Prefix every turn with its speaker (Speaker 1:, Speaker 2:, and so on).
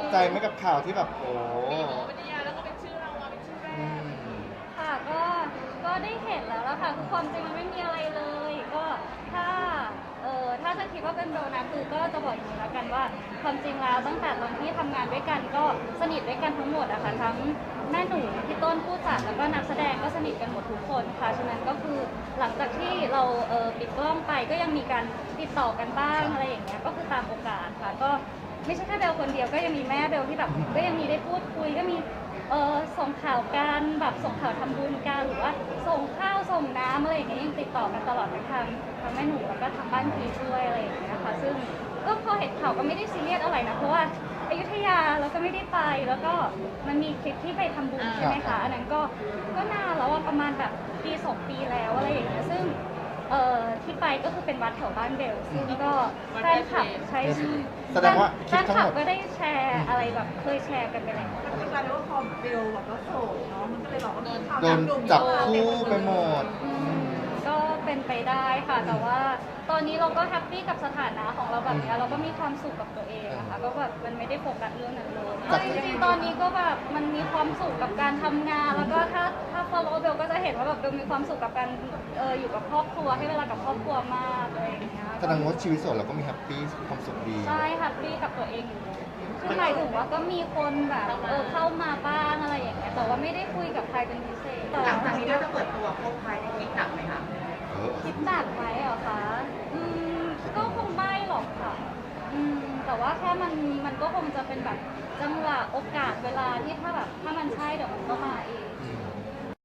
Speaker 1: ใจไหมกับข่าวที่แบบโอ้
Speaker 2: มีโมเป็นนิยายแล้วก็เป็นชื่อเราเป็นชื่อแรก
Speaker 3: ค่ะก็ได้เห็นแล้วค่ะคือความจริงมันไม่มีอะไรเลยก็ถ้าถ้าจะคิดว่าเป็นโดนัทคือก็จะบอกอย่างนี้แล้วกันว่าความจริงแล้วตั้งแต่ตอนที่ทำงานด้วยกันก็สนิทด้วยกันทั้งหมดอะค่ะทั้งแม่หนูพี่ต้นผู้จัดแล้วก็นักแสดงก็สนิทกันหมดทุกคนค่ะฉะนั้นก็คือหลังจากที่เราปิดกล้องไปก็ยังมีการติดต่อกันบ้างอะไรอย่างเงี้ยก็คือตามโอกาสค่ะก็ไม่ใช่แค่เบลคนเดียวก็ยังมีแม่เบลที่แบบก็ยังมีได้พูดคุยก็มีส่งข่าวกันแบบส่งข่าวทำบุญกันหรือว่าส่งข้าวส่งน้ำอะไรอย่างเงี้ยยังติดต่อกันตลอดทางแม่หนูแล้วก็ทางบ้านพีด้วยอะไรอย่างเงี้ยค่ะซึ่งก็พอเห็นข่าวก็ไม่ได้ซีเรียสอะไรนะเพราะว่าอยุธยาแล้วก็ไม่ได้ไปแล้วก็มันมีคลิปที่ไปทำบุญใช่ไหมคะอันนั้นก็นานแล้วประมาณแบบปี2 ปีแล้วอะไรอย่างเงี้ยซึ่งที่ไปก็คือเป็นวัดแถวบ้านเบลซึ่งก็แฟนคลับใช้
Speaker 1: แสดงว่าค
Speaker 3: แฟ
Speaker 1: ลิป
Speaker 3: น
Speaker 1: ทั้ง
Speaker 3: คลั
Speaker 1: ห
Speaker 3: บ
Speaker 1: มด
Speaker 3: ก็ได้แชร์อะไรแบบเคยแชร์กันไปแล้ว
Speaker 2: ก็กลายเป็นว่าพอเบลแบบว่าโสดเนาะมันก็เลยแบบว่า
Speaker 1: โดนจับคู่ไปหมด
Speaker 3: ก็เป็นไปได้ค่ะแต่ว่าตอนนี้เราก็แฮปปี้กับสถานะของเราแบบนี้เราก็มีความสุขกับตัวเองนะคะก็แบบมันไม่ได้โฟกัสเรื่องนั้นเลยจริงๆตอนนี้ก็แบบมันมีความสุขกับการทำงานแล้วก็ถ้า follow เบลก็จะเห็นว่าแบบเบลมีความสุขกับการอยู่กับครอบครัวให้เวลากับครอบครัวมากอะไรอย่างเงี้ย
Speaker 1: แสดงว่าชีวิตโสดเราก็มีแฮปปี้ความสุขดี
Speaker 3: ใช่แฮปปี้กับตัวเองอยู่คือหมายถึงว่าก็มีคนแบบเข้ามาบ้างอะไรอย่างเงี้ยแต่ว่าไม่ได้คุยกับใครเป็นพิเศษ
Speaker 2: หลังจากนี้เราจะเปิดตัวคบใครในคลิปหนักไหมคะ
Speaker 3: คิดหนักไหมเหรอคะก็คงไม่หรอกค่ะแต่ว่าแค่มันก็คงจะเป็นแบบจังหวะโอกาสเวลาที่ถ้ามันใช่เดี๋ยวมันก็มาเอง